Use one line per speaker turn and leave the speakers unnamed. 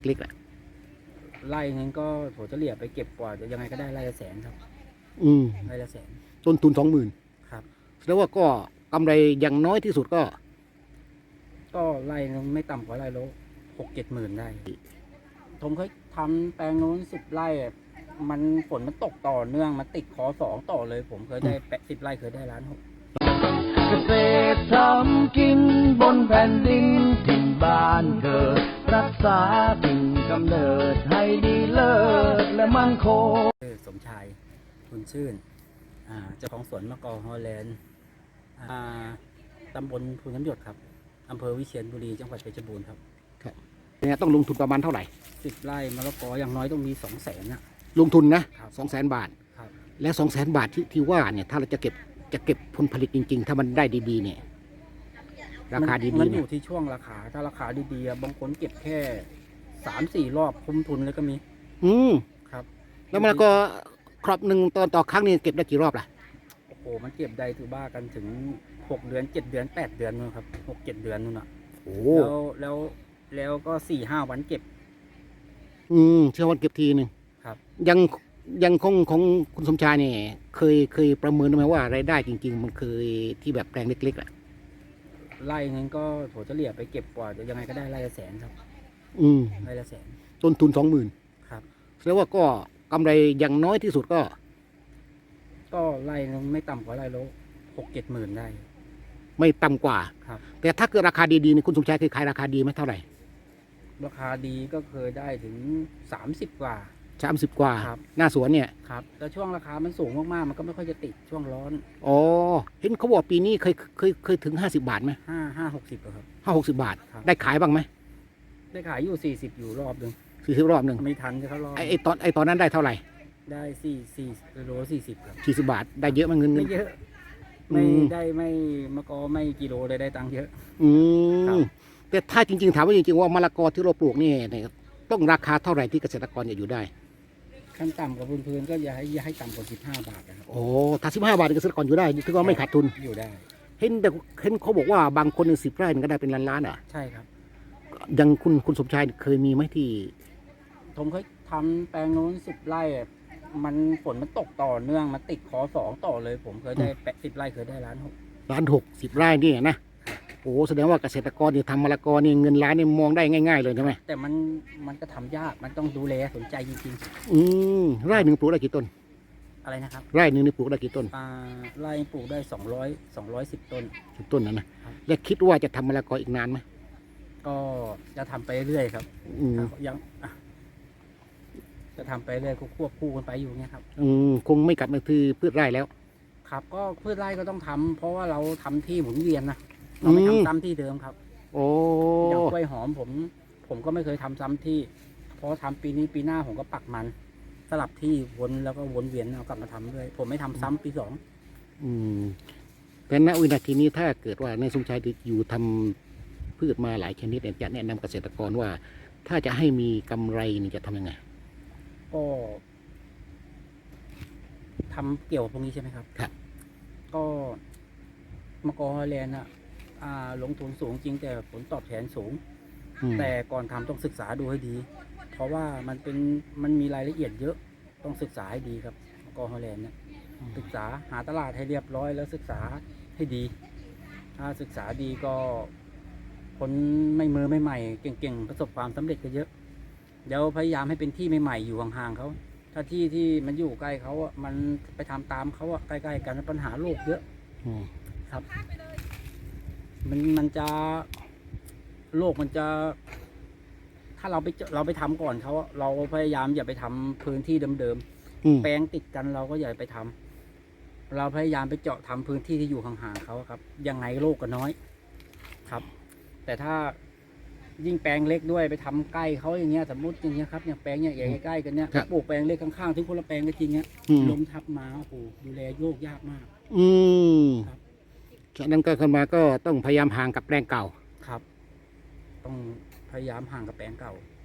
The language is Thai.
เล็กแหละ
ไร่นึงก็โถเฉลี่ยไปเก็บกว่าจะยังไงก็ได้ไร่ละแสนครับไร่ละแสน
ต้นทุน20,000
ครับ
แสดงว่าก็กำไรอย่างน้อยที่สุด
ก็ไร่นึงไม่ต่ำกว่าไร่ละ6-7 หมื่นได้ผมเคยทำแปลงนู้น10 ไร่มันฝนมันตกต่อเนื่องมันติดข.2ต่อเลย ผมเคยได้10 ไร่เคยได้1.6 ล้าน
เกษตรทำกินบนแผ่นดินถิ่นบ้านเกิดรักษาถิ่นกำเนิดให้ดีเลิศและมั่นคง
สมชายคุณชื่นเจ้าของสวนมะกอกฮอลแลนด์ตำบลภูน้ำหยดครับอำเภอวิเชียรบุรีจังหวัดเพชรบูรณ์ครับ
เนี่ยต้องลงทุนประมาณเท่าไหร่
10 ไร่มะละกออย่างน้อยต้องมี200,000นะ
ลงทุนนะ200,000 บาท
ครับ
แล้ว200,000 บาทที่ว่าเนี่ยถ้าเราจะเก็บผลผลิตจริงๆถ้ามันได้ดีๆเนี่ยราคาดีๆ
มันอยู่ที่ช่วงราคาถ้าราคาดีๆบางคนเก็บแค่3-4 รอบคุ้มทุนเลยก็มีครับ
แล้วมันก็ครอบหนึ่งต่อครั้งนี่เก็บได้กี่รอบล่ะ
โอ้โหมันเก็บได้ถือบ้ากันถึง6 เดือน7 เดือน8 เดือนนู่นครับ6-7 เดือนนู่นอ่ะ
โอ้
แล้วก็4-5 วันเก็บ
เชื่อวันเก็บทีนึง
ครับ
ยังของคุณสมชายเนี่ยเคยประเมินไหมว่ารายได้จริงๆมันเคยที่แบบแปลงเล็กๆอ่ะ
ไร่นึงก็โถเฉลี่ยไปเก็บกว่าจะยังไงก็ได้ไร่ละแสนครับไร่ละแสน
ต้นทุน20,000
ครับ
แสดงว่าก็กำไรอย่างน้อยที่สุด
ก็ไร่นึงไม่ต่ำกว่าไร่ละ6-7 หมื่นได้
ไม่ต่ำกว่า
ครับ
แต่ถ้าเกิดราคาดีๆนี่คุณสมชายเคยขายราคาดีไหมเท่าไหร่
ราคาดีก็เคยได้ถึง30 กว่า
30 กว่าหน้าสวนเนี่ย
ครับแต่ช่วงราคามันสูงมากๆมันก็ไม่ค่อยจะติดช่วงร้อน
อ๋อเห็นเขาบอกปีนี้เคยถึง50 บาทไหม
50 ครับ
50 บาทได้ขายบ้างไหม
ได้ขายอยู่40อยู่รอบหนึ่ง
40 รอบหนึ่ง
ไม่ทันจะเขารอบ
ไอตอนนั้นได้เท่าไหร่
ได้4 โล 40ครับ
40 บาทได้เยอะมั้ยเงิน
ไม่เยอะไม่ได้ไม่มะกอไม่กิโลเลยได้ตังค์เยอะ
แต่ถ้าจริงๆถามว่าจริงๆว่ามะละกอที่เราปลูกนี่ต้องราคาเท่าไหร่ที่เกษตรกรจะอยู่ได้
ขั้นต่ำกับพื้นๆก็อย่าให้ต่ำกว่า15 บาทนะครับ
โอ้ถ้า15 บาทเกษตรกรอยู่ได้คือว่าไม่ขาดทุน
อยู่ได้
เห็นเขาบอกว่าบางคน10 ไร่ก็ได้เป็นล้านๆอ่ะ
ใช่ครับ
ยังคุณสมชายเคยมีไหมที่
ผมเคยทำแปลงนู้น10 ไร่มันฝนมันตกต่อเนื่องมันติดข.2ต่อเลย ผมเคยได้10 ไร่เคยได้1.6 ล้าน
10 ไร่นี่นะโอ้แสดงว่าเกษตรกรที่ทำมะละกอนี่เงินล้านนี่มองได้ง่ายๆเลยใช่ไหม
แต่มันก็ทำยากมันต้องดูแลสนใจจริง
ๆไร่หนึ่งปลูกได้กี่ต้น
อะไรนะครับ
ไร่หนึ่งนี่ปลูกได้กี่ต้น
ไร่ปลูกได้210 ต้น
10 ต้นนะและคิดว่าจะทำมะละกออีกนานไหม
ก็จะทำไปเรื่อยครับยังจะทำไปเรื่อยควบคู่กันไปอยู่เงี้ยครับ
คงไม่กลับมาคือพืชไร่แล้ว
ครับก็พืชไร่ก็ต้องทำเพราะว่าเราทำที่หมุนเวียนนะเราไม่ทำซ้ำที่เดิมครับอย่างกล้วยหอมผมก็ไม่เคยทำซ้ำที่เพราะทำปีนี้ปีหน้าผมก็ปักมันสลับที่วนแล้วก็วนเวียนเอากลับมาทำด้วยผมไม่ทำซ้ำปี2
แต่ณวินาทีนี้ถ้าเกิดว่าในสมชายอยู่ทำพืชมาหลายชนิดจะแนะนำเกษตรกรว่าถ้าจะให้มีกำไรนี่จะทำยังไง
ก็ทำเกี่ยวกับพวกนี้ใช่ไหมครับ
ครับ
ก็มะกอกฮอลแลนด์ลงทุนสูงจริงแต่ผลตอบแทนสูงแต่ก่อนทำต้องศึกษาดูให้ดีเพราะว่ามันมีรายละเอียดเยอะต้องศึกษาให้ดีครับมะกอกฮอลแลนด์เนี่ยศึกษาหาตลาดให้เรียบร้อยแล้วศึกษาให้ดีถ้าศึกษาดีก็คนไม่มือไม่ใหม่เก่งๆประสบความสำเร็จก็เยอะเดี๋ยวพยายามให้เป็นที่ใหม่ๆอยู่ห่างๆเขาถ้าที่มันอยู่ใกล้เขามันไปทำตามเขาใกล้ๆกันปัญหาโลกเยอะครับมันจะโลกมันจะถ้าเราไปทำก่อนเขาเราพยายามอย่าไปทำพื้นที่เดิมๆแปลงติดกันเราก็อย่าไปทำเราพยายามไปเจาะทำพื้นที่ที่อยู่ห่างๆเขาครับยังไงโลกก็น้อยครับแต่ถ้ายิ่งแปลงเล็กด้วยไปทำใกล้เขาอย่างเงี้ยสมมติอย่างเงี้ยครับอย่างแปลงเนี่ยใกล้ๆกันเนี้ยปลูกแปลงเล็กข้างๆที่คนละแปลงก็จริงเนี้ยลมทับมาโอ้โหดูแลโยกยากมาก
ครับฉะนั้นก็ขึ้นมาก็ต้องพยายามห่างกับแปลงเก่า
ครับต้องพยายามห่างกับแปลงเก่า